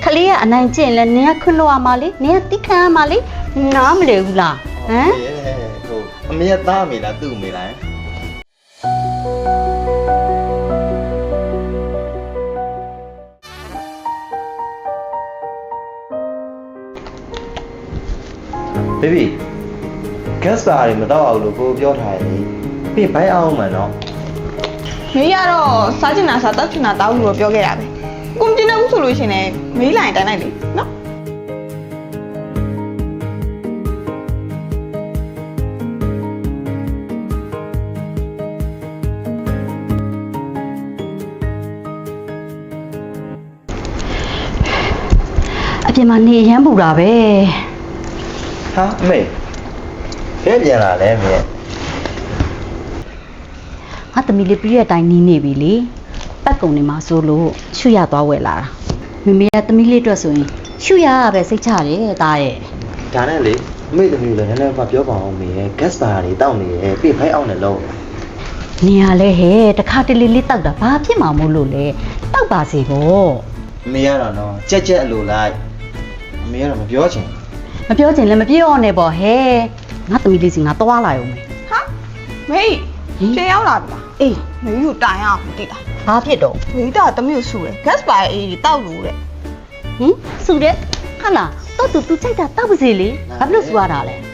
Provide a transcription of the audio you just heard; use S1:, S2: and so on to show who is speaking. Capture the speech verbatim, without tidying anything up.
S1: ခလေးကအနိုင်ကျင့်လဲနင်ကခွန်းလို့ရမှာလေနင်ကတိခံရမှာလေနားမလဲဘူးလားဟမ်
S2: ဟိုအမေကသားမေလားသူ့မေလားဘေဘီ gas bar တွေမတော့အောင်လို့ကိုပြောထားတယ်ပြီးဘိုင်းအောင်မှန်တော့
S3: မေးရတော့စားချင်တာစားတောက်ချင်တာတောက်လို့ပြောခဲ့တာပဲကိုမကျင်တော့ဘူးဆိုလို့ရှိရင်လည်းမေးလိုက်တိုင်းလိုက်လေနော်
S1: အပြင်မှာနေရမ်းပူတာပဲ
S2: ဟာအမေဘယ်ပြန်လာလဲအမေ
S1: ငါသမီးလေးပြည့်တဲ့အတိုင်းနေနေပြီလေပတ်ကုံနေမှာဆိုလို့ရှုရသွားဝယ်လာတာမမေကသမီးလေးအတွက်ဆိုရင်ရှုရရပဲစိတ်ချတယ်တားရဲ့
S2: ဒါနဲ့လေအမေသမီးလည်းနည်းနည်းမှပြောပါအောင်မေ gas bar တွေတောက်နေတယ်ပြီးဘိုင်းအောင်တယ်လို့
S1: နေရလဲဟဲ့တခါတလေလေးတောက်တာဘာဖြစ်မှာမို့လို့လဲတောက်ပါစေပေါ့
S2: အမေကတော့နော်ကြက်ကြက်အလိုလိုက်အမေကတော့မပြောချင်
S1: မပြောချင်လည်းမပြောနဲ့ပေါ့ဟဲ့ငါသမီးလေးစီငါသွားလိုက်အောင်မယ်
S3: ဟာမေးပြန်ရောက်လာပြီလား
S1: အေး
S3: မေးကိုတိုင်အောင်တိလား
S1: ဘာဖြစ်တော့
S3: မေးတာတမျိုးဆူတယ် gas bar အေးတောက်လို့တဲ့
S1: ဟင်စုတဲ့ဟာလားတော့သူသူချိန်တာတောက်ပါစေလေဘာဖြစ်လို့စူရတာလဲ